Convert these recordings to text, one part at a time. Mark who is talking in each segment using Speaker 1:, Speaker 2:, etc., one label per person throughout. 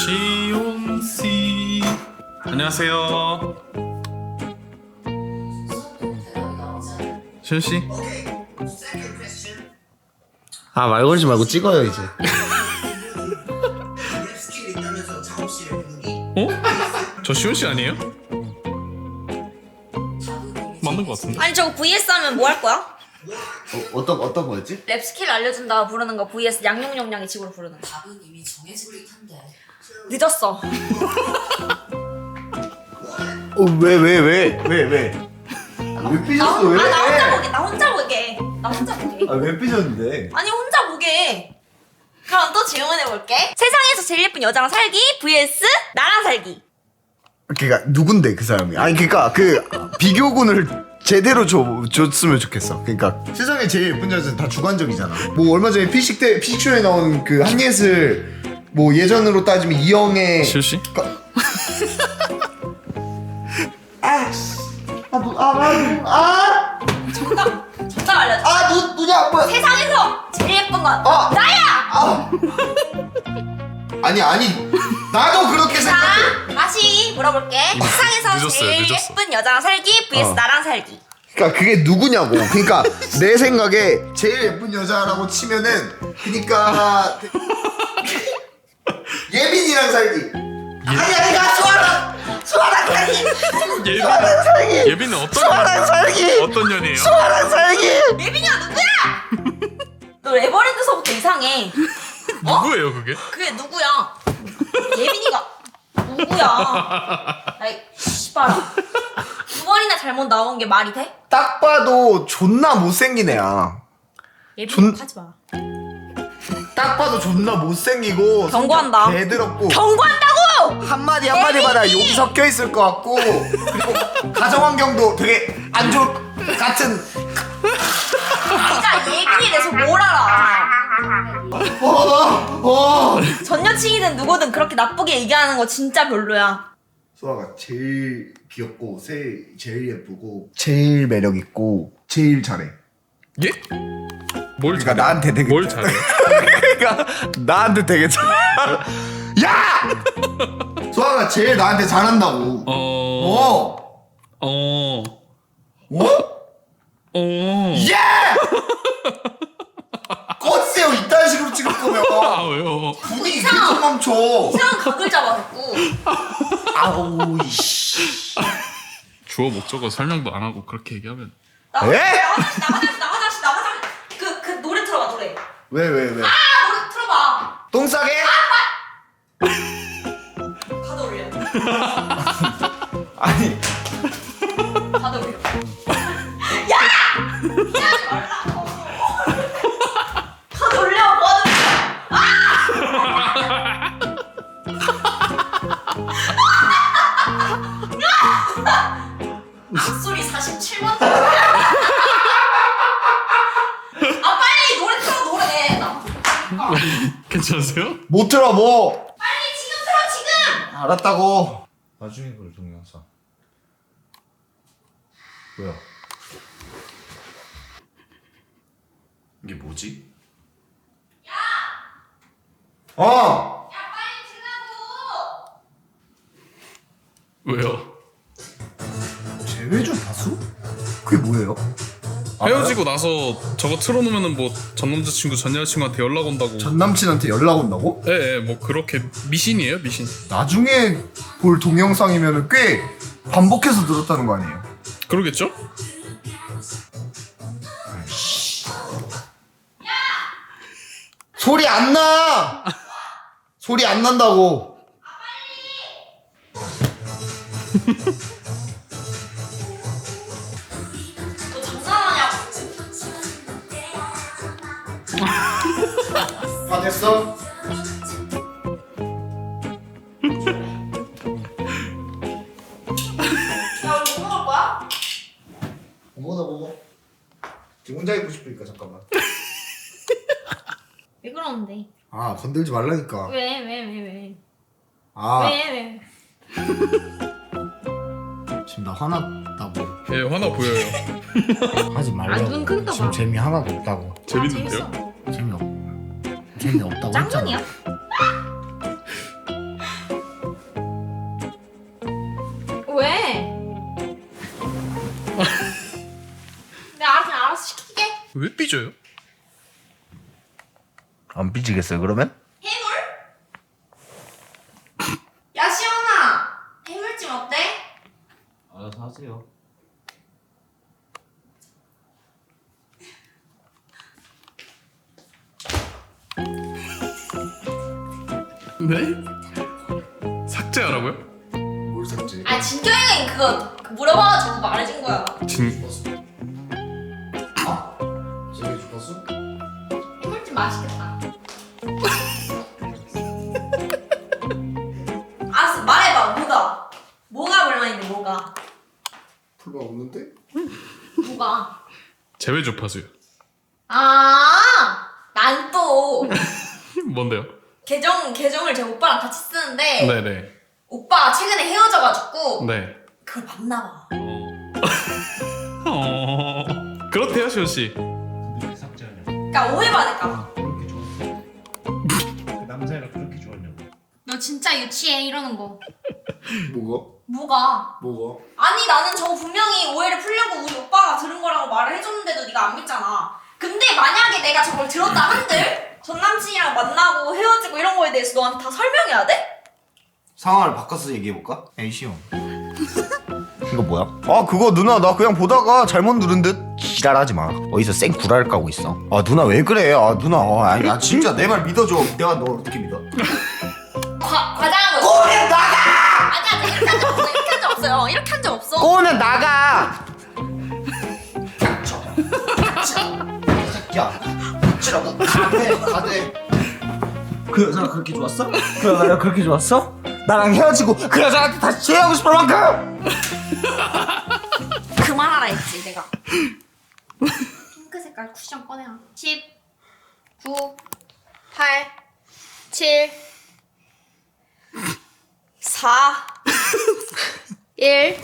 Speaker 1: 시온씨 안녕하세요. 시온씨.
Speaker 2: 아 말 걸지 말고 찍어요 이제.
Speaker 1: 어? 저 시온씨 아니에요? 맞는 것 같은데?
Speaker 3: 아니 저거 vs 하면 뭐 할 거야?
Speaker 2: 어떤 거였지?
Speaker 3: 랩 스킬 알려준다 부르는 거 vs 양용용량의 집으로 부르는 거.
Speaker 4: 답은 이미 정해진 듯한데.
Speaker 3: 늦었어.
Speaker 2: 왜 삐졌어 왜?
Speaker 3: 나 혼자 보게. 나 혼자 보게. 나 혼자 보게.
Speaker 2: 왜 삐졌는데?
Speaker 3: 아니 혼자 보게. 그럼 또 질문해 볼게. 세상에서 제일 예쁜 여자랑 살기 vs 나랑 살기.
Speaker 2: 그니까 누군데 그 사람이? 아니 그니까 그 비교군을 제대로 줬으면 좋겠어. 그러니까 세상에 제일 예쁜 여자는 다 주관적이잖아. 뭐 얼마 전에 피식쇼에 나온 그 한예슬 뭐 예전으로 따지면 이영애
Speaker 1: 시온씨?
Speaker 3: 정답 알려줘.
Speaker 2: 눈이 안 보여.
Speaker 3: 세상에서 제일 예쁜 건 나야.
Speaker 2: 아니 나도 그렇게 생각해.
Speaker 3: 자 다시 물어볼게. 세상에서
Speaker 1: 늦었어요,
Speaker 3: 제일
Speaker 1: 늦었어.
Speaker 3: 예쁜 여자랑 살기 vs 나랑 살기.
Speaker 2: 그러니까 그게 누구냐고. 그러니까 내 생각에 제일 예쁜 여자라고 치면은 그러니까 예빈이랑 살기. 아니야 수아랑 살기.
Speaker 1: 예빈은 어떤
Speaker 2: 수아랑 살기.
Speaker 1: 어떤 년이에요?
Speaker 2: 수아랑 살기.
Speaker 3: 예빈이가 누구야? 너 에버랜드서부터 이상해.
Speaker 1: 누구예요 그게?
Speaker 3: 그게 누구야? 예빈이가 누구야? 아이 씨발아. 두 번이나 잘못 나온 게 말이 돼?
Speaker 2: 딱 봐도 존나 못생긴 애야.
Speaker 3: 예빈이 하지 마.
Speaker 2: 딱 봐도 존나 못생기고
Speaker 3: 경고한다.
Speaker 2: 개더럽고
Speaker 3: 경고한다고!
Speaker 2: 한마디마다 욕이 섞여 있을 것 같고 그리고 가정 환경도 되게 안 좋을 것 같은.
Speaker 3: 네가 예빈이에 대해서 뭘 알아? 전 여친이든 누구든 그렇게 나쁘게 얘기하는 거 진짜 별로야.
Speaker 2: 소아가 제일 귀엽고 제일 예쁘고 제일 매력 있고 제일 잘해.
Speaker 1: 예? 뭘
Speaker 2: 그러니까
Speaker 1: 잘해?
Speaker 2: 나한테 되게
Speaker 1: 뭘 잘해?
Speaker 2: 그러니까 나한테 되게 잘. 야! 소아가 제일 나한테 잘한다고. 어. 예! 꺼주세요 이딴 식으로 찍을 거면.
Speaker 1: 아 왜요?
Speaker 2: 분위기 계속 멈춰.
Speaker 3: 이상한 각을 잡아갖고.
Speaker 2: 아우 이씨.
Speaker 1: 주어 목적어 설명도 안 하고 그렇게 얘기하면
Speaker 3: 나가자. 그 노래 틀어봐 노래.
Speaker 2: 왜?
Speaker 3: 노래 틀어봐.
Speaker 2: 똥 싸게?
Speaker 3: 가드 올려.
Speaker 2: 아니
Speaker 3: 가드 올려. 야! 하지 말라고. 가드 올려. 뭐 하는 거야? 목소리 47만. 아 빨리 노래 틀어 노래.
Speaker 1: 괜찮으세요?
Speaker 2: 못 들어 뭐.
Speaker 3: 빨리 지금 틀어 지금.
Speaker 2: 알았다고. 나중에 그 동영상. 뭐야? 이게 뭐지? 야! 어!
Speaker 3: 야 빨리 틀라고.
Speaker 1: 왜요?
Speaker 2: 재회전 다수? 그게 뭐예요?
Speaker 1: 헤어지고 나서 저거 틀어놓으면은 뭐 전 남자친구 전 여자친구한테 연락 온다고.
Speaker 2: 전 남친한테 연락 온다고?
Speaker 1: 예, 뭐 그렇게 미신이에요 미신.
Speaker 2: 나중에 볼 동영상이면 꽤 반복해서 들었다는 거 아니에요?
Speaker 1: 그러겠죠?
Speaker 2: 소리 안 나! 소리 안 난다고.
Speaker 3: 너 장난하냐고.
Speaker 2: 다 됐어?
Speaker 3: 야 우리 뭐 먹을 거야?
Speaker 2: 먹어. 지금 혼자 있고 싶으니까 잠깐만.
Speaker 3: 왜 그러는데?
Speaker 2: 아 건들지 말라니까.
Speaker 3: 왜?
Speaker 2: 아
Speaker 3: 왜?
Speaker 2: 지금 나 화났다고.
Speaker 1: 예, 화나 보여요.
Speaker 2: 하지
Speaker 3: 아,
Speaker 2: 말라고.
Speaker 3: 눈 끊다 봐.
Speaker 2: 지금 재미 하나도 없다고.
Speaker 1: 재밌는데요?
Speaker 2: 재미없다고
Speaker 3: 짱눈이야?
Speaker 2: 했잖아.
Speaker 1: 왜 삐져요?
Speaker 2: 안 삐지겠어요 그러면?
Speaker 3: 해물? 야 시원아 해물찜 어때?
Speaker 4: 알아서 하세요.
Speaker 1: 네? 삭제하라고요?
Speaker 2: 뭘 샀지?
Speaker 3: 아 진경이가 그거 물어봐가지고 말해준 거야.
Speaker 1: 진
Speaker 2: 제일 주파수?
Speaker 3: 해물찜 맛있겠다. 알았어 말해봐 뭐가 불만인데 뭐가
Speaker 2: 불만 없는데?
Speaker 3: 뭐가
Speaker 1: 제외 주파수요.
Speaker 3: 난 또
Speaker 1: 뭔데요?
Speaker 3: 계정을 제 오빠랑 같이 쓰는데
Speaker 1: 네네.
Speaker 3: 오빠가 최근에 헤어져가지고
Speaker 1: 네.
Speaker 3: 그걸 봤나봐.
Speaker 1: 그렇대요 시원 씨.
Speaker 4: 근데 왜 삭제하냐고.
Speaker 3: 그러니까 오해받을까봐.
Speaker 4: 그렇게 좋았어. 그 남자애가 그렇게 좋았냐고.
Speaker 3: 너 진짜 유치해 이러는 거.
Speaker 2: 뭐가?
Speaker 3: 뭐가? 아니 나는 저거 분명히 오해를 풀려고 우리 오빠가 들은 거라고 말을 해줬는데도 네가 안 믿잖아. 근데 만약에 내가 저걸 들었다 한들 전 남친이랑 만나고 헤어지고 이런 거에 대해서 너한테 다 설명해야 돼?
Speaker 2: 상황을 바꿔서 얘기해볼까? 에이 시험 이거 뭐야? 아 그거 누나 나 그냥 보다가 잘못 누른 듯 지랄하지 마 어디서 생 구라를 까고 있어 아 누나 왜 그래 아 누나 아니 아 진짜 내 말 믿어줘 내가 너 어떻게 믿어
Speaker 3: 과장한 거
Speaker 2: 꼬면 나가!
Speaker 3: 아니야 이렇게 한 적 없어 이렇게 한 적 없어요 이렇게 한 적 없어
Speaker 2: 꼬면 나가! 야 닥치라고 가대 그 여자가 그렇게 좋았어? 그 여자가 그렇게 좋았어? 나랑 헤어지고 그 여자한테 다시 취하고 싶을 만큼
Speaker 3: 그만하라 했지 내가. 핑크 색깔 쿠션 꺼내라. 10 9 8 7 4 1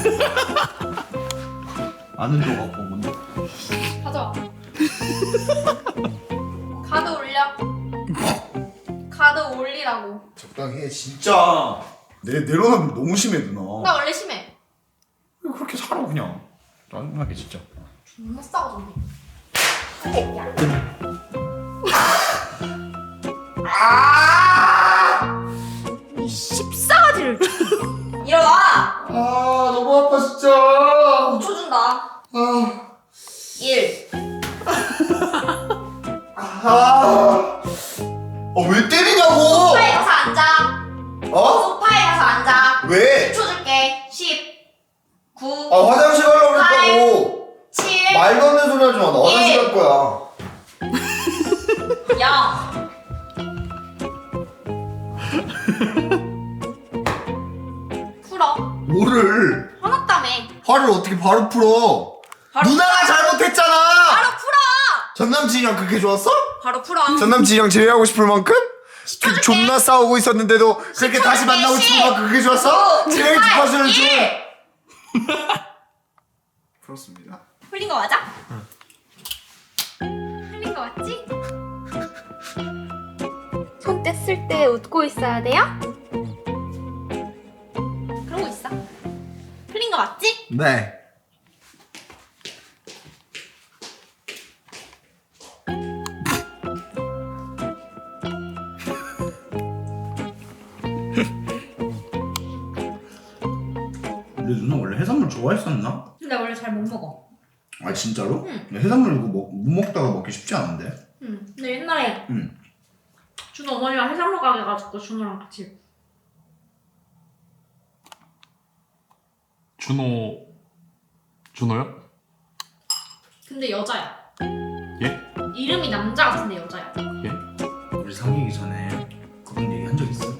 Speaker 2: 아는 거 갖고 뭔데?
Speaker 3: 가져와. 카드 올려. 카드 올리라고.
Speaker 2: 적당히 해 진짜 내로남불 너무 심해 누나
Speaker 3: 나 원래 심해.
Speaker 2: 그렇게 살아 그냥 짜증나게 진짜
Speaker 3: 존나 싸가지고. 이 십사가지를. 일어나.
Speaker 2: 너무 아파 진짜
Speaker 3: 5초 준다. 1
Speaker 2: 왜 때리냐고
Speaker 3: 소파에 가서 앉아.
Speaker 2: 어?
Speaker 3: 소파에 가서 앉아.
Speaker 2: 왜?
Speaker 3: 10초 줄게. 10 9
Speaker 2: 화장실 가려고 그랬다고
Speaker 3: 7
Speaker 2: 말도 안 되는 소리 하지 마나 화장실 갈 거야
Speaker 3: 0 풀어.
Speaker 2: 뭐를
Speaker 3: 화났다며.
Speaker 2: 화를 어떻게 바로 풀어
Speaker 3: 바로
Speaker 2: 누나가 잘못했잖아
Speaker 3: 바로 풀어.
Speaker 2: 전남친이랑 그렇게 좋았어?
Speaker 3: 바로 풀어.
Speaker 2: 전남친이랑 제외하고 싶을 만큼?
Speaker 3: 시켜줄게.
Speaker 2: 존나 싸우고 있었는데도 그렇게 다시 만나고 싶을 만큼 그렇게 좋았어? 제일 주파수를 줘 그렇습니다
Speaker 3: 풀린 거 맞아? 풀린 거 맞지? 손 뗐을 때 웃고 있어야 돼요? 그러고 있어. 풀린 거 맞지?
Speaker 2: 네
Speaker 5: 근데 누나 원래 해산물 좋아했었나?
Speaker 3: 근데 원래 잘 못 먹어.
Speaker 5: 아 진짜로?
Speaker 3: 응.
Speaker 5: 해산물 이거 못 먹다가 먹기 쉽지 않은데?
Speaker 3: 응. 근데 옛날에
Speaker 5: 응.
Speaker 3: 준호 어머니가 해산물 가게 가지고 준호랑 같이.
Speaker 1: 준호요?
Speaker 3: 근데 여자야.
Speaker 1: 예?
Speaker 3: 이름이 남자 같은데 여자야.
Speaker 1: 예?
Speaker 5: 우리 사귀기 전에 그런 얘기 한 적 있어?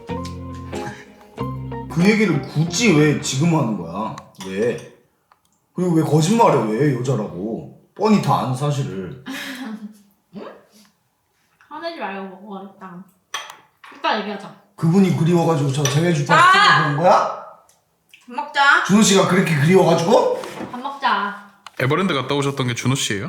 Speaker 2: 그 얘기를 굳이 왜 지금 하는 거야? 왜? 그리고 왜 거짓말해 왜 여자라고 뻔히 다 아는 사실을
Speaker 3: 화내지 말고 먹어 일단. 이따 얘기하자.
Speaker 2: 그분이 그리워가지고 저 제외 주파수
Speaker 3: 아!
Speaker 2: 쓰고 그런 거야?
Speaker 3: 밥 먹자.
Speaker 2: 준호 씨가 그렇게 그리워가지고?
Speaker 3: 밥 먹자.
Speaker 1: 에버랜드 갔다 오셨던 게 준호 씨예요?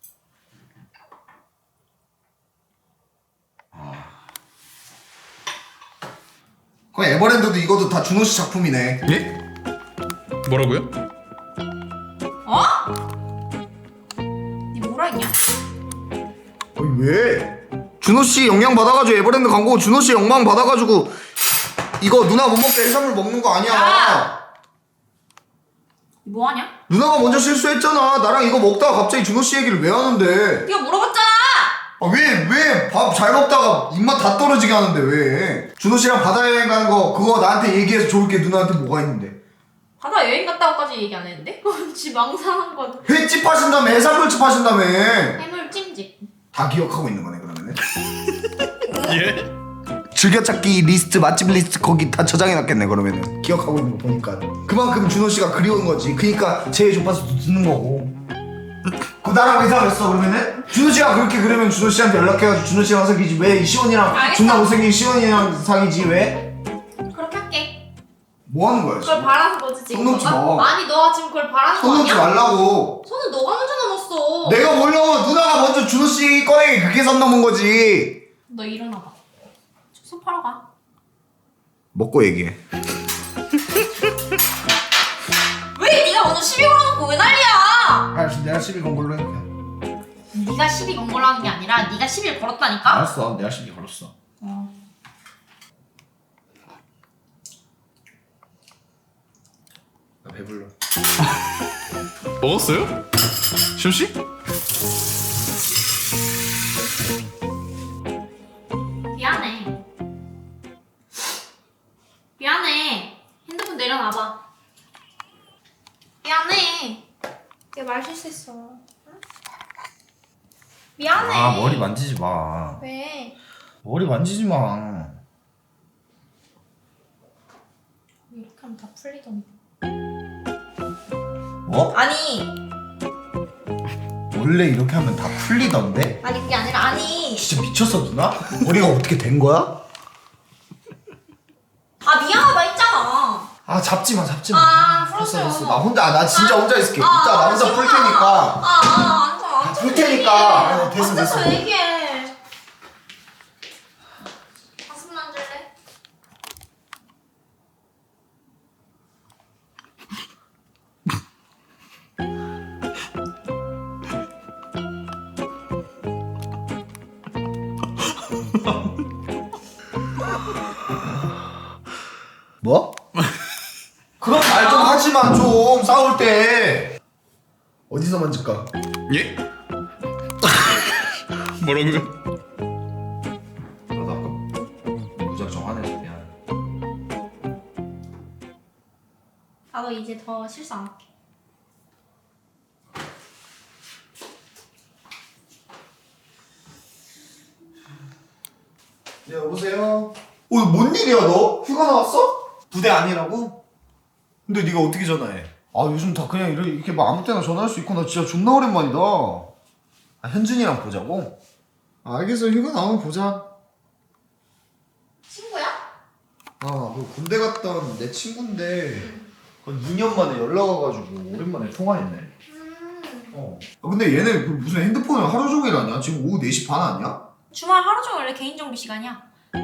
Speaker 2: 그럼 에버랜드도 이것도 다 준호 씨 작품이네
Speaker 1: 예? 뭐라고요?
Speaker 3: 어? 니 뭐라 영향?
Speaker 2: 아니 왜? 준호 씨 영향 받아가지고 에버랜드 간 거고 준호 씨 영향 받아가지고 이거 누나 못 먹게 해산물 먹는 거 아니야.
Speaker 3: 야! 뭐 하냐?
Speaker 2: 누나가 먼저 실수했잖아. 나랑 이거 먹다가 갑자기 준호 씨 얘기를 왜 하는데?
Speaker 3: 네가 물어봤잖아.
Speaker 2: 아, 왜 밥 잘 먹다가 입맛 다 떨어지게 하는데 왜? 준호 씨랑 바다 여행 가는 거 그거 나한테 얘기해서 좋을 게 누나한테 뭐가 있는데?
Speaker 3: 바다 여행 갔다고까지 얘기 안 했는데? 지 망상한 거.
Speaker 2: 횟집 하신다며 해산물집 하신다며
Speaker 3: 해물 찜질.
Speaker 2: 다 기억하고 있는 거네 그러면은.
Speaker 1: 예?
Speaker 2: 즐겨찾기 리스트 맛집 리스트 거기 다 저장해놨겠네 그러면은. 기억하고 있는 거 보니까 그만큼 준호 씨가 그리운 거지. 그니까 제일 좁아서도 듣는 거고. 그럼 나랑 왜 사귀었어 그러면은? 준호 씨가 그렇게 그러면 준호 씨한테 연락해가지고 준호 씨랑 사귀지 왜 시원이랑
Speaker 3: 알겠어.
Speaker 2: 존나 못생긴 시원이랑 사귀지 왜?
Speaker 3: 그렇게 할게.
Speaker 2: 뭐 하는 거야
Speaker 3: 그걸
Speaker 2: 지금?
Speaker 3: 바라는 거지 지금.
Speaker 2: 손 놓지
Speaker 3: 너가?
Speaker 2: 마.
Speaker 3: 아니 너가 지금 그걸 바라는 거
Speaker 2: 손 놓지
Speaker 3: 아니야?
Speaker 2: 말라고.
Speaker 3: 손은 너가 먼저 넘었어.
Speaker 2: 내가 몰라. 누나가 먼저 준호 씨 꺼내기 그게 선 넘은 거지.
Speaker 3: 너 일어나봐. 손 팔아 가.
Speaker 2: 먹고 얘기해.
Speaker 3: 왜 네가 먼저 시비 걸어놓고 왜 난리야?
Speaker 2: 알았어 내가 시비 건 걸로 해볼게.
Speaker 3: 네가 시비 건 걸로 하는 게 아니라 네가 시비를 걸었다니까?
Speaker 5: 알았어, 내가 시비 걸었어.
Speaker 3: 어.
Speaker 2: 나 배불러.
Speaker 1: 먹었어요? 시훈씨?
Speaker 3: 미안해. 미안해. 핸드폰 내려놔봐. 미안해. 내가 말 실수했어. 응? 미안해.
Speaker 5: 아, 머리 만지지 마.
Speaker 3: 왜?
Speaker 5: 머리 만지지 마.
Speaker 3: 이렇게 하면 다 풀리던데.
Speaker 5: 뭐?
Speaker 3: 아니
Speaker 2: 원래 이렇게 하면 다 풀리던데?
Speaker 3: 아니 그게 아니라 아니.
Speaker 2: 진짜 미쳤어 누나? 머리가 어떻게 된 거야?
Speaker 3: 아 미안하다 했잖아.
Speaker 2: 아 잡지 마.
Speaker 3: 아 풀었어요.
Speaker 2: 됐어. 나 진짜 혼자 있을게. 이따 나 혼자 풀
Speaker 3: 지훈아.
Speaker 2: 테니까.
Speaker 3: 안
Speaker 2: 풀 테니까. 아, 됐어.
Speaker 3: 앉아서 얘기해. 가슴 만질래?
Speaker 2: 뭐? 그런 말 좀 하지마 좀 싸울 때. 어디서 만질까?
Speaker 1: 예? 뭐라고요?
Speaker 5: 나도 아까 무작정 화내서 미안해.
Speaker 3: 나도 이제 더 실수 안 할게.
Speaker 2: 네 여보세요? 뭔 일이야 너? 휴가 나왔어? 부대 아니라고? 근데 네가 어떻게 전화해? 아 요즘 다 그냥 이렇게 막 아무 때나 전화할 수 있고 나 진짜 존나 오랜만이다. 아 현준이랑 보자고? 알겠어 휴가 나오면 보자.
Speaker 3: 친구야?
Speaker 2: 너 군대 갔다 온 내 친구인데 한 2년 만에 연락 와가지고 오랜만에 통화했네. 근데 얘네 그 무슨 핸드폰을 하루 종일 하냐? 지금 오후 4시 반 아니야?
Speaker 3: 주말 하루 종일 원래 개인 정비 시간이야.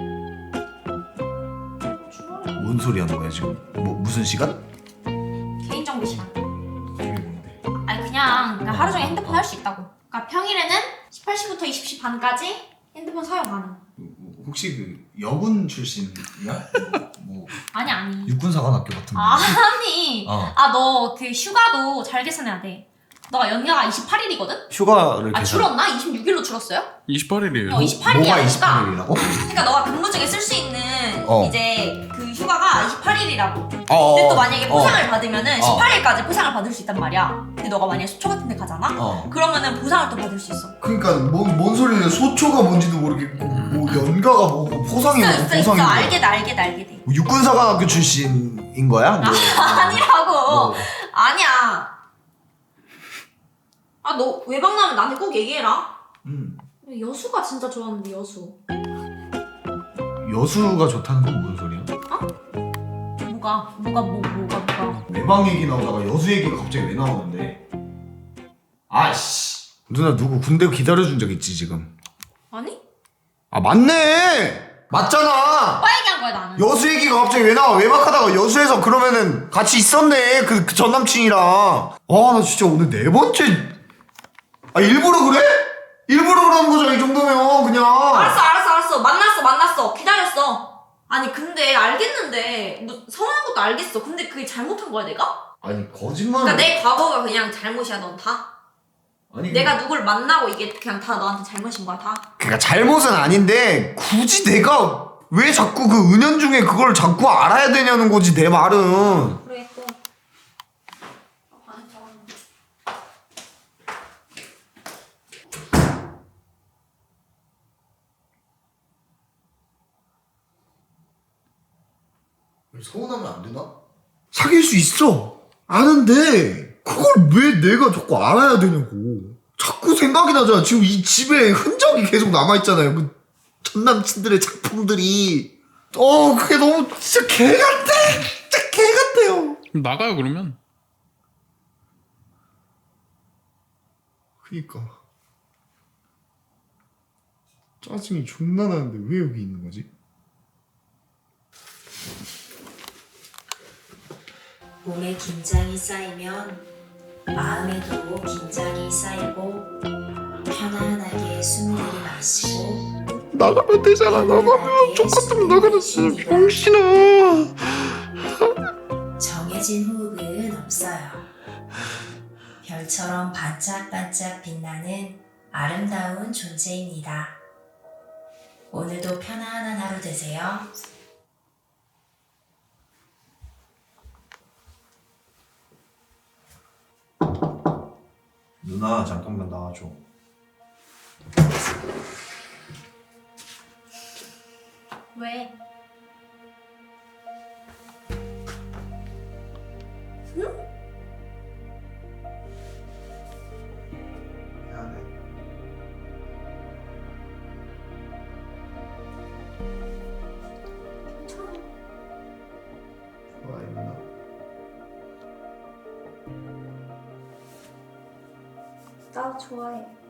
Speaker 3: 주말에
Speaker 2: 뭔 소리 하는 거야 지금? 무슨 시간?
Speaker 3: 개인 정비 시간.
Speaker 2: 그게 뭔데?
Speaker 3: 아니 그냥 그러니까 하루 종일 핸드폰 할 수 있다고. 그러니까 평일에는 18시부터 20시 반까지 핸드폰 사용 가능.
Speaker 2: 혹시 그 여군 출신이야? 뭐
Speaker 3: 아니.
Speaker 2: 육군사관학교 같은 거?
Speaker 3: 아니.
Speaker 2: 어.
Speaker 3: 너 그 휴가도 잘 계산해야 돼. 너가 연가가 28일이거든?
Speaker 2: 휴가를
Speaker 3: 줄었나? 26일로 줄었어요?
Speaker 1: 28일이에요.
Speaker 3: 28일이야.
Speaker 2: 뭐가
Speaker 3: 그러니까.
Speaker 2: 28일이라고?
Speaker 3: 그러니까 너가 근무 중에 쓸 수 있는
Speaker 2: 어.
Speaker 3: 이제 그 휴가가 28일이라고. 근데
Speaker 2: 어.
Speaker 3: 또 만약에 포상을 받으면은
Speaker 2: 어.
Speaker 3: 18일까지 포상을 받을 수 있단 말이야. 근데 너가 만약에 수초 같은 데 가잖아? 그러면은 보상을 또 받을 수 있어.
Speaker 2: 그러니까 뭔 소리냐? 소초가 뭔지도 모르겠고 뭐 연가가 뭐고 포상이 뭐고
Speaker 3: 있어.
Speaker 2: 포상이
Speaker 3: 알게 돼.
Speaker 2: 뭐 육군사관학교 출신인 거야? 뭐.
Speaker 3: 아니라고.
Speaker 2: 뭐.
Speaker 3: 아니야. 너 외박 나면 나한테 꼭 얘기해라. 여수가 진짜 좋았는데 여수.
Speaker 2: 여수가 좋다는 건 뭔 소리야?
Speaker 3: 뭐가.
Speaker 2: 외방 얘기 나오다가 여수 얘기가 갑자기 왜 나오는데? 아씨 누나 누구 군대 기다려준 적 있지 지금?
Speaker 3: 아니?
Speaker 2: 아 맞네! 맞잖아!
Speaker 3: 오빠 얘기한 거야 나는.
Speaker 2: 여수 얘기가 갑자기 왜 나와? 외박하다가 여수에서 그러면은 같이 있었네 그 전 남친이랑. 와 나 진짜 오늘 4번째 아 일부러 그래? 일부러 그러는 거잖아 이 정도면 그냥.
Speaker 3: 알았어. 만났어. 기다렸어. 아니 근데 알겠는데 뭐 성형한 것도 알겠어. 근데 그게 잘못한 거야 내가?
Speaker 2: 아니 거짓말.
Speaker 3: 그러니까 내 과거가 그냥 잘못이야 넌 다?
Speaker 2: 아니
Speaker 3: 내가 누굴 만나고 이게 그냥 다 너한테 잘못인 거야 다?
Speaker 2: 그러니까 잘못은 아닌데 굳이 내가 왜 자꾸 그 은연중에 그걸 자꾸 알아야 되냐는 거지 내 말은.
Speaker 3: 그래 또 안했잖아.
Speaker 2: 서운하면 안 되나? 사귈 수 있어 아는데 그걸 왜 내가 자꾸 알아야 되냐고. 자꾸 생각이 나잖아. 지금 이 집에 흔적이 계속 남아있잖아요. 그 전 남친들의 작품들이. 그게 너무 진짜 개 같아. 진짜 개 같아요.
Speaker 1: 그럼 나가요 그러면.
Speaker 2: 그니까 짜증이 존나 나는데 왜 여기 있는 거지?
Speaker 6: 몸에 긴장이 쌓이면 마음에도 긴장이 쌓이고 편안하게 숨을 들이마시고
Speaker 2: 나가면 되잖아. 나가면 똑같으면 나가는지 병신아.
Speaker 6: 정해진 호흡은 없어요. 별처럼 반짝반짝 빛나는 아름다운 존재입니다. 오늘도 편안한 하루 되세요.
Speaker 5: 누나 잠깐만 나와줘.
Speaker 3: 왜?
Speaker 2: 미안해. 좋아해 누나.
Speaker 3: 나 좋아해.